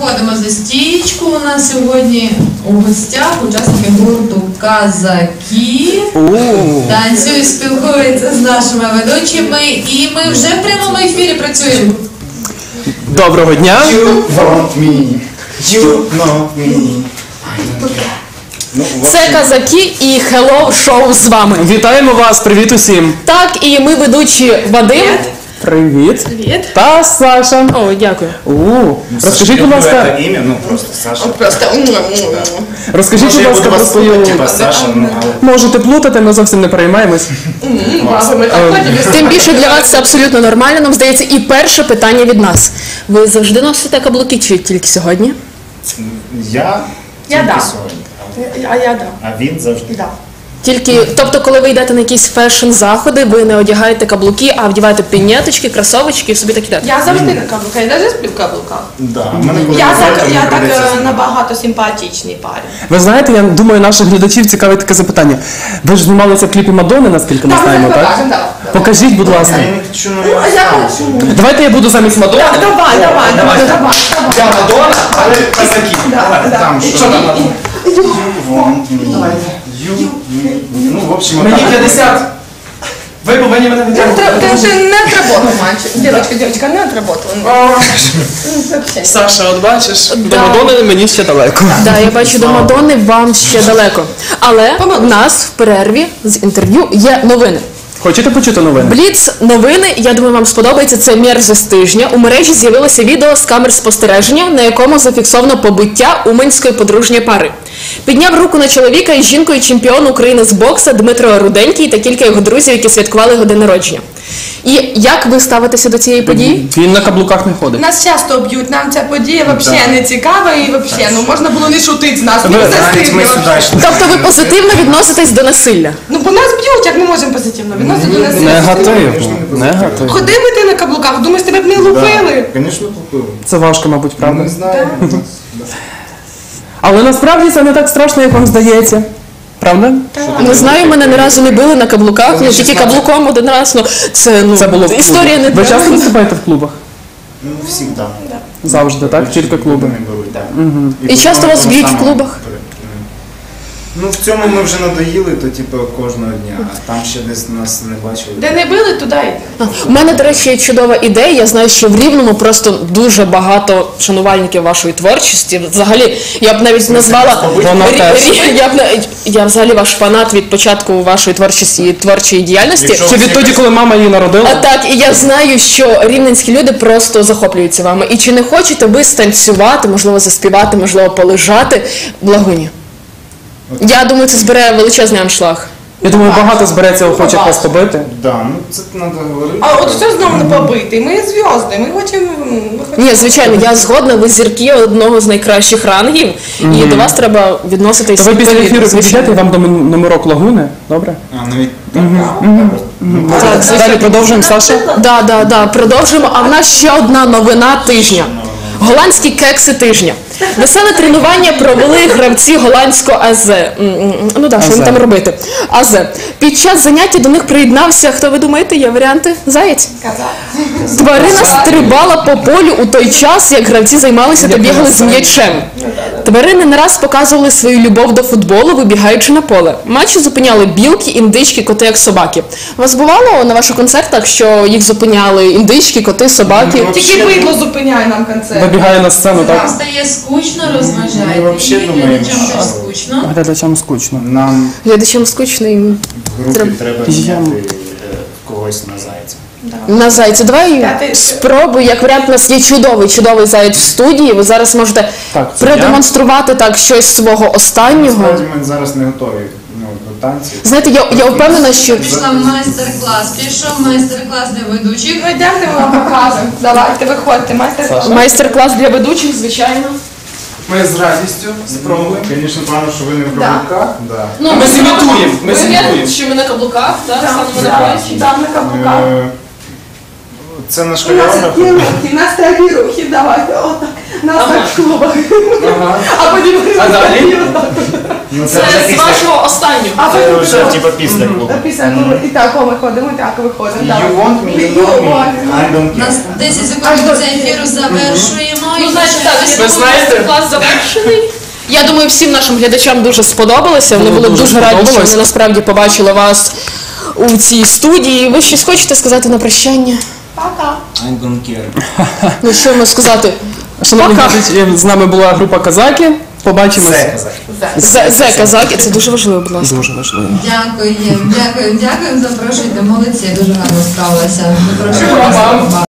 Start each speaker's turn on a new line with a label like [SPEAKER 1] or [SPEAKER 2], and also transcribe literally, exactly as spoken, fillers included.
[SPEAKER 1] виходимо за стічку. У нас сьогодні у гостях учасники гурту «Казаки». Танцюють, спілкуються з нашими ведучими. І ми вже в прямому ефірі працюємо.
[SPEAKER 2] Доброго дня!
[SPEAKER 3] You want me, you know me.
[SPEAKER 4] Це «Казаки» і Hello Show з вами.
[SPEAKER 2] Вітаємо вас, привіт усім!
[SPEAKER 4] Так, і ми ведучі Вадим.
[SPEAKER 2] Привіт!
[SPEAKER 4] Привіт.
[SPEAKER 2] Та Саша.
[SPEAKER 4] О, дякую.
[SPEAKER 2] У, розкажіть, будь ласка,
[SPEAKER 3] Это имя, ну просто Саша.
[SPEAKER 4] Просто.
[SPEAKER 2] розкажіть,
[SPEAKER 3] Може,
[SPEAKER 2] будь
[SPEAKER 3] я
[SPEAKER 2] ласка,
[SPEAKER 3] буду
[SPEAKER 2] про
[SPEAKER 3] вас
[SPEAKER 2] свою...
[SPEAKER 3] слухати, типа Саша, ну, але...
[SPEAKER 2] Можете плутати, ми зовсім не переймаємось.
[SPEAKER 4] Тим більше для вас це абсолютно нормально, нам здається. І перше питання від нас. Ви завжди носите каблуки чи тільки сьогодні?
[SPEAKER 3] Я
[SPEAKER 5] Я
[SPEAKER 3] тільки
[SPEAKER 5] да.
[SPEAKER 3] сьогодні.
[SPEAKER 5] А я да.
[SPEAKER 3] А він завжди.
[SPEAKER 5] Да.
[SPEAKER 4] Тільки, тобто, коли ви йдете на якісь фешн-заходи, ви не одягаєте каблуки, а вдіваєте пінеточки, кросовочки і собі так ідете.
[SPEAKER 5] Я завжди на каблуках, я навіть сплю в каблуках.
[SPEAKER 3] Да. в мене коли
[SPEAKER 5] Я
[SPEAKER 3] виходить,
[SPEAKER 5] так,
[SPEAKER 3] мені
[SPEAKER 5] я так
[SPEAKER 3] прийдеться
[SPEAKER 5] е,
[SPEAKER 3] знімати.
[SPEAKER 5] набагато симпатичний парень.
[SPEAKER 2] Ви знаєте, я думаю, наших глядачів цікавить таке запитання. Ви ж знімалися в кліпі Мадонни, наскільки ми знаємо, так? Покажіть, будь ласка.
[SPEAKER 3] Я не хочу на
[SPEAKER 5] А я хочу.
[SPEAKER 2] Давайте я буду замість Мадонни.
[SPEAKER 5] Так, давай, давай, давай, давай.
[SPEAKER 2] Я Мадонна, але Казаки.
[SPEAKER 3] Там що?
[SPEAKER 2] Що там?
[SPEAKER 3] You want me, you me. Ну, в общем,
[SPEAKER 2] Мені
[SPEAKER 3] отак.
[SPEAKER 2] п'ятдесят. Ви повинні мене
[SPEAKER 5] Ты
[SPEAKER 2] відтягнути.
[SPEAKER 5] уже не отработал, мальчик. Девочка, девочка, не отработала. Вообще.
[SPEAKER 2] Саша, от бачиш, до
[SPEAKER 4] Да.
[SPEAKER 2] Мадонни мені ще далеко.
[SPEAKER 4] Так, я бачу, до Мадонни вам ще далеко. Але в нас в перерві з інтерв'ю є новини.
[SPEAKER 2] Хочете почути новини?
[SPEAKER 4] Бліц новини, я думаю, вам сподобається, це мерзость тижня. У мережі з'явилося відео з камер спостереження, на якому зафіксовано побиття уманської подружньої пари. Підняв руку на чоловіка із жінкою чемпіон України з бокса Дмитро Руденький та кілька його друзів, які святкували його день народження. І як ви ставитеся до цієї події?
[SPEAKER 2] Він на каблуках не ходить.
[SPEAKER 5] Нас часто б'ють, нам ця подія взагалі
[SPEAKER 3] Да.
[SPEAKER 5] не цікава і взагалі, ну можна було не шутити з нас, не
[SPEAKER 2] Ви
[SPEAKER 3] Навіть ми
[SPEAKER 5] застигли.
[SPEAKER 3] сюди йшли.
[SPEAKER 4] Тобто ви позитивно відноситесь до насилля?
[SPEAKER 5] Ну по нас б'ють, як ми можемо позитивно відносити до нас.
[SPEAKER 2] Негатив. Негатив.
[SPEAKER 5] Ходи би ти на каблуках, думаєш, тебе б не лупили?
[SPEAKER 3] Звісно, купили.
[SPEAKER 2] Це важко, мабуть, правда?
[SPEAKER 3] Не знаю.
[SPEAKER 2] Але насправді це не так страшно, як вам здається. Правда?
[SPEAKER 4] Не знаю, мене ні разу не били на каблуках, ну тільки каблуком один раз. Ну це ну
[SPEAKER 2] Це було в клубі.
[SPEAKER 4] історія не
[SPEAKER 2] Ви часто виступаєте в клубах?
[SPEAKER 3] Ну, всегда.
[SPEAKER 2] Завжди, так? Тільки клуби.
[SPEAKER 3] Не беруть, так.
[SPEAKER 4] І часто
[SPEAKER 3] потім
[SPEAKER 4] вас б'ють в
[SPEAKER 3] саме-
[SPEAKER 4] клубах?
[SPEAKER 3] Ну, в цьому ми вже надоїли, то типу кожного дня. А там ще десь нас не бачили.
[SPEAKER 5] Де не били, туди йди.
[SPEAKER 4] У мене, до речі, є чудова ідея. Я знаю, що в Рівному просто дуже багато шанувальників вашої творчості. Взагалі, я б навіть назвала
[SPEAKER 2] Вона
[SPEAKER 4] Рі-
[SPEAKER 2] теж.
[SPEAKER 4] Рі- я б на- я взагалі ваш фанат від початку вашої творчості і творчої діяльності.
[SPEAKER 3] Якщо-
[SPEAKER 2] Чи відтоді, коли мама її
[SPEAKER 4] А
[SPEAKER 2] народила?
[SPEAKER 4] так, і я знаю, що рівненські люди просто захоплюються вами. І чи не хочете ви станцювати, можливо, заспівати, можливо, полежати в Лагуні? Я думаю, це збере величезний аншлаг.
[SPEAKER 2] Я думаю, багато збереться охочих вас побити.
[SPEAKER 3] Да, ну це треба говорити.
[SPEAKER 5] А от що знову не побити? Ми зв'язки, ми хочемо... ми хочемо-
[SPEAKER 4] Ні, звичайно, я згодна, ви зірки одного з найкращих рангів, і до вас треба відноситись
[SPEAKER 2] То ви після
[SPEAKER 4] відповідно,
[SPEAKER 2] ефіру
[SPEAKER 4] звичайно.
[SPEAKER 2] підійдете, вам дамо номерок Лагуни, добре?
[SPEAKER 3] А, навіть так.
[SPEAKER 4] Так, звичайно.
[SPEAKER 2] Далі продовжуємо, Саша.
[SPEAKER 4] Да, да, да, продовжуємо. А в нас ще одна новина тижня. Голландські кекси тижня. Веселе тренування провели гравці голландського АЗ. М, м, Ну так, що їм
[SPEAKER 2] АЗ.
[SPEAKER 4] там робити? АЗ. Під час заняття до них приєднався, хто ви думаєте, є варіанти? Заєць? Тварина стрибала по полю у той час, як гравці займалися та бігали з м'ячем. Тварини не раз показували свою любов до футболу, вибігаючи на поле. Матчі зупиняли білки, індички, коти, як собаки. У вас бувало на ваших концертах, що їх зупиняли індички, коти, собаки?
[SPEAKER 5] Тільки бидло зупиняє нам концерт.
[SPEAKER 2] Вибігає на сцену,
[SPEAKER 1] Вам
[SPEAKER 2] так?
[SPEAKER 1] стає скучно, розважайте.
[SPEAKER 3] Ми взагалі
[SPEAKER 1] І
[SPEAKER 3] думаємо,
[SPEAKER 1] глядачам
[SPEAKER 3] що-
[SPEAKER 1] теж скучно.
[SPEAKER 2] Глядачам скучно.
[SPEAKER 3] Нам
[SPEAKER 4] Глядачам скучно і
[SPEAKER 3] в групі
[SPEAKER 4] Треба-
[SPEAKER 3] треба
[SPEAKER 2] Я-
[SPEAKER 3] міняти е, когось на зайця.
[SPEAKER 4] на зайця. Давай
[SPEAKER 5] П'ятий-
[SPEAKER 4] спробуй, як варіант, у нас є чудовий, чудовий заєць в студії. Ви зараз можете
[SPEAKER 2] Так, це
[SPEAKER 4] продемонструвати так щось свого останнього.
[SPEAKER 3] Насправді ми зараз не готові ну, до танців.
[SPEAKER 4] Знаєте, я, я впевнена, що
[SPEAKER 1] Пішла майстер-клас, пішов майстер-клас для ведучих.
[SPEAKER 5] Ну йдемо, ми вам покажемо. Давайте, виходьте, майстер-клас.
[SPEAKER 4] майстер-клас для ведучих, звичайно.
[SPEAKER 2] Ми з радістю спробуємо.
[SPEAKER 3] Звісно, пану, що ви не в
[SPEAKER 5] Да.
[SPEAKER 3] каблуках. Да.
[SPEAKER 4] Ну,
[SPEAKER 2] Ми зімітуємо, ми
[SPEAKER 4] Ми
[SPEAKER 2] зімітуємо.
[SPEAKER 4] що ми на каблуках, так? Станемо на
[SPEAKER 5] Да,
[SPEAKER 4] плечі.
[SPEAKER 5] да, на каблуках.
[SPEAKER 3] Е, Це наш
[SPEAKER 5] У нас
[SPEAKER 3] хореограф.
[SPEAKER 5] такі рухи, у нас такі рухи, давайте, отак. Нас так в клубах. А потім
[SPEAKER 2] А далі?
[SPEAKER 3] Ну,
[SPEAKER 4] Це з вашого останнього.
[SPEAKER 5] А
[SPEAKER 3] Це
[SPEAKER 5] ви
[SPEAKER 3] вже типа після клубу.
[SPEAKER 5] Після клубу. І так, о, ми ходимо, і так виходимо. так.
[SPEAKER 3] You want me, you know me, I don't
[SPEAKER 1] У нас
[SPEAKER 3] care.
[SPEAKER 1] десять секунд до цього ефіру завершуємо.
[SPEAKER 4] Ну,
[SPEAKER 1] І
[SPEAKER 4] знаєте, так,
[SPEAKER 1] ще
[SPEAKER 4] я
[SPEAKER 2] Ви
[SPEAKER 4] думаю,
[SPEAKER 2] знаєте-
[SPEAKER 4] клас завершений. Я думаю, всім нашим глядачам дуже сподобалося. Вони
[SPEAKER 2] Було
[SPEAKER 4] були
[SPEAKER 2] дуже
[SPEAKER 4] дуже раді, що
[SPEAKER 2] сподобалось.
[SPEAKER 4] вони насправді побачили вас у цій студії. Ви щось хочете сказати на прощання?
[SPEAKER 3] I don't care.
[SPEAKER 4] Ну що можна сказати?
[SPEAKER 2] Шановні
[SPEAKER 4] Пока.
[SPEAKER 2] глядачі, з нами була група Казаки. Побачимось.
[SPEAKER 3] Все казати.
[SPEAKER 4] Зе зе казаки, це дуже важливо, будь ласка.
[SPEAKER 2] Дуже важливо.
[SPEAKER 1] Дякуємо, дякуємо, дякуємо, запрошуйте, молодці, дуже гарно справилися. Запрошуємо вас.